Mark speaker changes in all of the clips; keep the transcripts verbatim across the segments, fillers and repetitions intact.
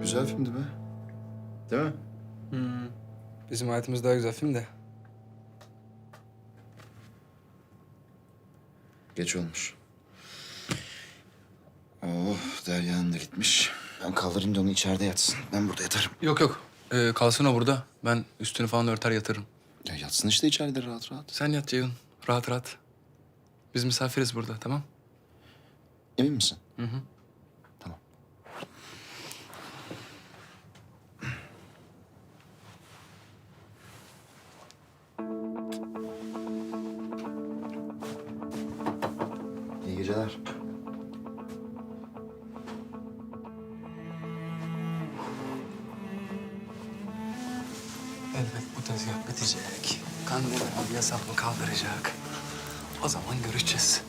Speaker 1: güzel filmdi be. Değil mi?
Speaker 2: Hmm. Bizim hayatımız daha güzel film de.
Speaker 1: Geç olmuş. Oh, Derya'nın da gitmiş. Ben kaldırayım da onu içeride yatsın. Ben burada yatarım.
Speaker 2: Yok yok. Ee, kalsın o burada. Ben üstünü falan örter yatırım.
Speaker 1: Ya yatsın işte içeride rahat rahat.
Speaker 2: Sen yat Ceyhun. Rahat rahat. Biz misafiriz burada, tamam?
Speaker 1: Emin misin?
Speaker 2: Hı hı.
Speaker 1: Tamam. İyi geceler.
Speaker 2: Elbet bu tezgah bitecek. Kandemir abi yasaklı kaldıracak. O zaman göreceğiz.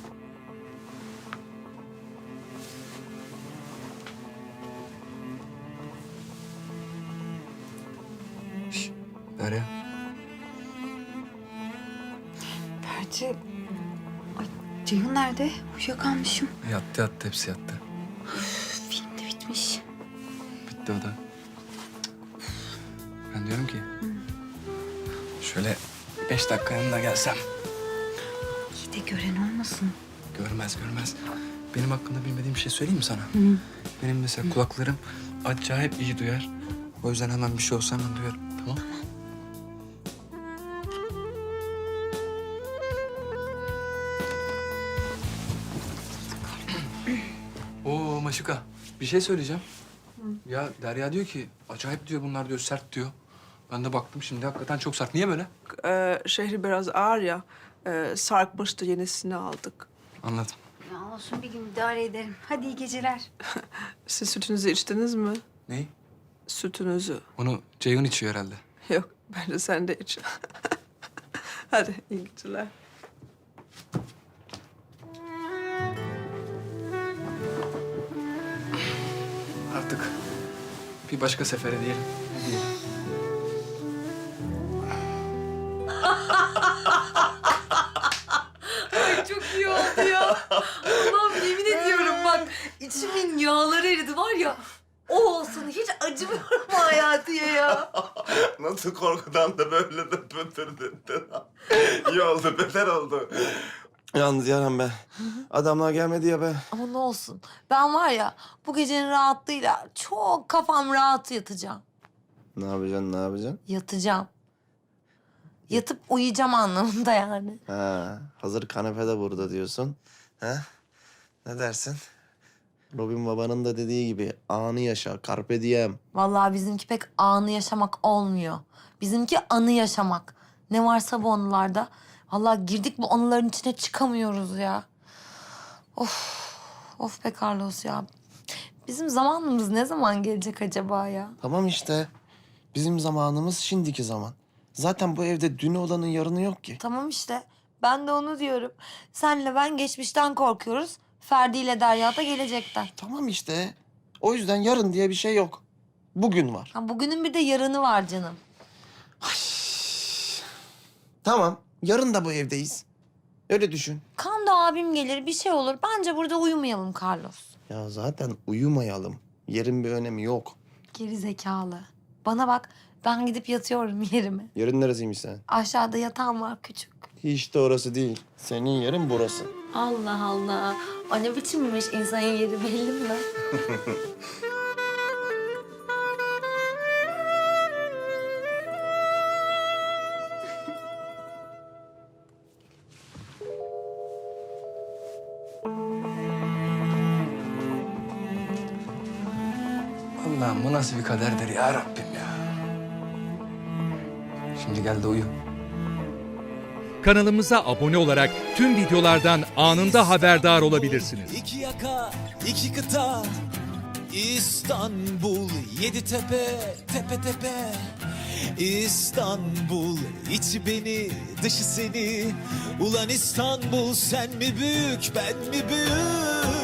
Speaker 2: Şş, Derya.
Speaker 3: Ferdi... Ay, Ceyhun nerede? Uyuyakalmışım.
Speaker 2: Yattı yattı, hepsi yattı.
Speaker 3: Film de bitmiş.
Speaker 2: Bitti o da. Ben diyorum ki... Şöyle beş dakika yanına gelsem.
Speaker 3: İyi de gören olmasın.
Speaker 2: Görmez görmez. Benim hakkında bilmediğim bir şey söyleyeyim mi sana?
Speaker 3: Hı.
Speaker 2: Benim mesela kulaklarım acayip iyi duyar. O yüzden hemen bir şey olsa hemen duyarım. Tamam? Oo Maşuka, bir şey söyleyeceğim. Ya Derya diyor ki acayip diyor, bunlar diyor sert diyor. Ben de baktım şimdi, hakikaten çok sert. Niye böyle?
Speaker 4: Ee, şehri biraz ağır ya. Ee, sarkmıştı, yenisini aldık.
Speaker 2: Anladım.
Speaker 3: Ya olsun, bir gün idare ederim. Hadi iyi geceler.
Speaker 4: Siz sütünüzü içtiniz mi?
Speaker 2: Neyi?
Speaker 4: Sütünüzü.
Speaker 2: Onu Ceyhun içiyor herhalde.
Speaker 4: Yok, bence sen de iç. Hadi, iyi geceler.
Speaker 2: Artık bir başka sefere diyelim. Diyelim.
Speaker 5: Ay çok iyi oldu ya. Allah'ım yemin ediyorum bak içimin yağları eridi var ya. O olsun hiç acımıyorum hayatiye ya.
Speaker 6: Nasıl korkudan da böyle de pötürdün. İyi oldu, beter oldu. Yalnız Yaren be, adamlar gelmedi ya be.
Speaker 5: Ama ne olsun ben var ya bu gecenin rahatlığıyla çok kafam rahat yatacağım.
Speaker 6: Ne yapacaksın, ne yapacaksın?
Speaker 5: Yatacağım. Yatıp uyuyacağım anlamında yani.
Speaker 6: Ha, hazır kanepede burada diyorsun. Ha? Ne dersin? Robin babanın da dediği gibi anı yaşa, carpe diem.
Speaker 5: Vallahi bizimki pek anı yaşamak olmuyor. Bizimki anı yaşamak. Ne varsa bu anılarda. Vallahi girdik bu anıların içine çıkamıyoruz ya. Of, of be Carlos ya. Bizim zamanımız ne zaman gelecek acaba ya?
Speaker 6: Tamam işte. Bizim zamanımız şimdiki zaman. Zaten bu evde dün olanın yarını yok ki.
Speaker 5: Tamam işte. Ben de onu diyorum. Senle ben geçmişten korkuyoruz. Ferdi ile Derya da gelecekten.
Speaker 6: Tamam işte. O yüzden yarın diye bir şey yok. Bugün var.
Speaker 5: Ha, bugünün bir de yarını var canım.
Speaker 6: Tamam. Yarın da bu evdeyiz. Öyle düşün.
Speaker 5: Kan da abim gelir bir şey olur. Bence burada uyumayalım Carlos.
Speaker 6: Ya zaten uyumayalım. Yerin bir önemi yok.
Speaker 5: Geri zekalı. Bana bak ben gidip yatıyorum yerime.
Speaker 6: Yerin neresiymiş sen?
Speaker 5: Aşağıda yatağım var küçük.
Speaker 6: Hiç de orası değil. Senin yerin burası.
Speaker 5: Allah Allah. O ne biçimmiş insanın yeri belli mi?
Speaker 2: Allah'ım bu nasıl bir kaderdir ya Rabbim ya. Şimdi gel de uyu.
Speaker 7: Kanalımıza abone olarak tüm videolardan anında haberdar olabilirsiniz.
Speaker 8: İki yaka, iki kıta, İstanbul, yedi tepe, tepe tepe. İstanbul, içi beni, dışı seni. Ulan İstanbul, sen mi büyük, ben mi büyük?